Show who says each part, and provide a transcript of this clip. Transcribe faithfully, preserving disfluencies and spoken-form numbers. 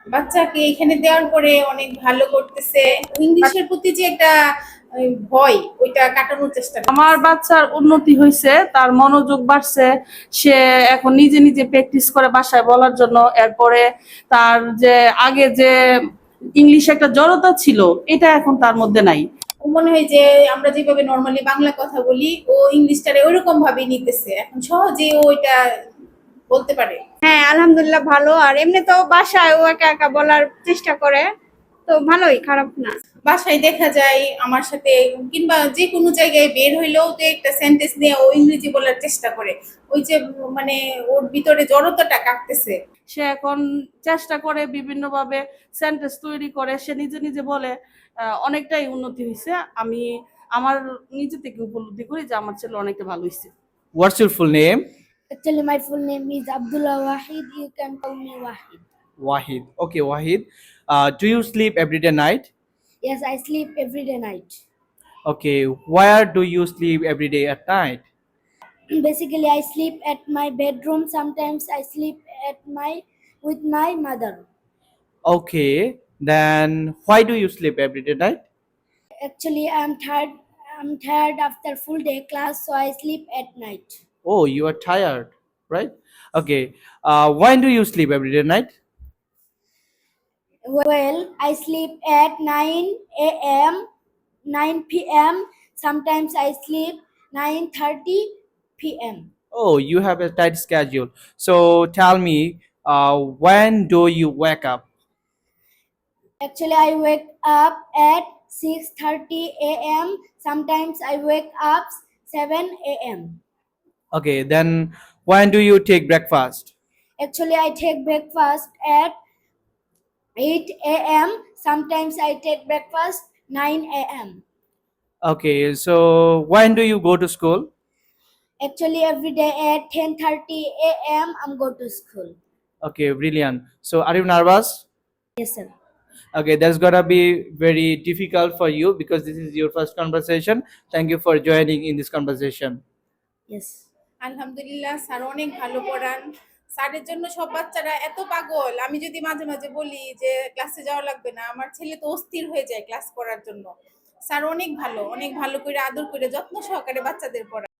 Speaker 1: বাচ্চাকে এখানে দেওয়ার পরে অনেক ভালো করতেছে। ইংলিশের প্রতি যে একটা আহ, ভয়, ওইটা কাটানোর চেষ্টা
Speaker 2: আমার
Speaker 1: করতেছে।
Speaker 2: বাচ্চার উন্নতি হয়েছে, তার মনোযোগ বাড়ছে। সে এখন নিজে নিজে প্র্যাকটিস করে বাসায় বলার জন্য। এরপরে তার যে আগে যে ইংলিশে একটা জড়তা ছিল, এটা এখন তার মধ্যে নাই।
Speaker 1: ও মনে হয় যে আমরা যেভাবে নর্মালি বাংলা কথা বলি, ও ইংলিশটারে ওইরকম ভাবে নিতেছে, এখন সহজে ও এটা বলতে পারে।
Speaker 3: হ্যাঁ, আলহামদুলিল্লাহ ভালো। আর এমনি তো বাসায় ও একা একা বলার চেষ্টা করে, তো ভালোই, খারাপ না।
Speaker 1: বাসায় দেখা যায় আমার সাথে, কিংবা যে কোনো জায়গায় বের হইলেও তো একটা সেন্টেন্স নিয়ে ও ইংরেজি বলার চেষ্টা করে। ওই যে মানে ওর ভিতরে জড়তাটা কাটতেছে।
Speaker 2: সে এখন চেষ্টা করে বিভিন্ন ভাবে সেন্টেন্স তৈরি করে, সে নিজে নিজে বলে। আহ, অনেকটাই উন্নতি হয়েছে। আমি আমার নিজে থেকে উপলব্ধি করি যে আমার ছেলে অনেকটা ভালো হয়েছে।
Speaker 4: What's your full name?
Speaker 5: Actually, my full name is Abdullah Wahid. You can call me Wahid.
Speaker 4: Wahid. Okay, Wahid. Uh, do you sleep every day night?
Speaker 5: Yes, I sleep every day night.
Speaker 4: Okay, where do you sleep every day at night?
Speaker 5: Basically, I sleep at my bedroom. Sometimes I sleep at my with my mother.
Speaker 4: Okay, then why do you sleep every day night?
Speaker 5: Actually, I'm tired. I'm tired after full day class, so I sleep at night.
Speaker 4: Oh, you are tired, right? Okay, uh, when do you sleep every day night?
Speaker 5: Well, I sleep at nine a m, nine p m. Sometimes I sleep nine thirty p m.
Speaker 4: Oh, you have a tight schedule. So tell me, uh, when do you wake up?
Speaker 5: Actually, I wake up at six thirty a m. Sometimes I wake up seven a m.
Speaker 4: Okay, then when do you take breakfast?
Speaker 5: Actually, I take breakfast at eight a m. Sometimes I take breakfast nine a m.
Speaker 4: Okay, so when do you go to school?
Speaker 5: Actually, every day at ten thirty a m. I'm go to school.
Speaker 4: Okay, brilliant. So are you nervous?
Speaker 5: Yes, sir.
Speaker 4: Okay, that's gonna be very difficult for you because this is your first conversation. Thank you for joining in this conversation.
Speaker 5: Yes.
Speaker 1: আলহামদুলিল্লাহ, sir অনেক ভালো পড়ান। স্যারের জন্য সব বাচ্চারা এত পাগল, আমি যদি মাঝে মাঝে বলি যে ক্লাসে যাওয়া লাগবে না, আমার ছেলে তো অস্থির হয়ে যায় ক্লাস করার জন্য। স্যার অনেক ভালো, অনেক ভালো করে আদর করে যত্ন সহকারে বাচ্চাদের পড়ায়।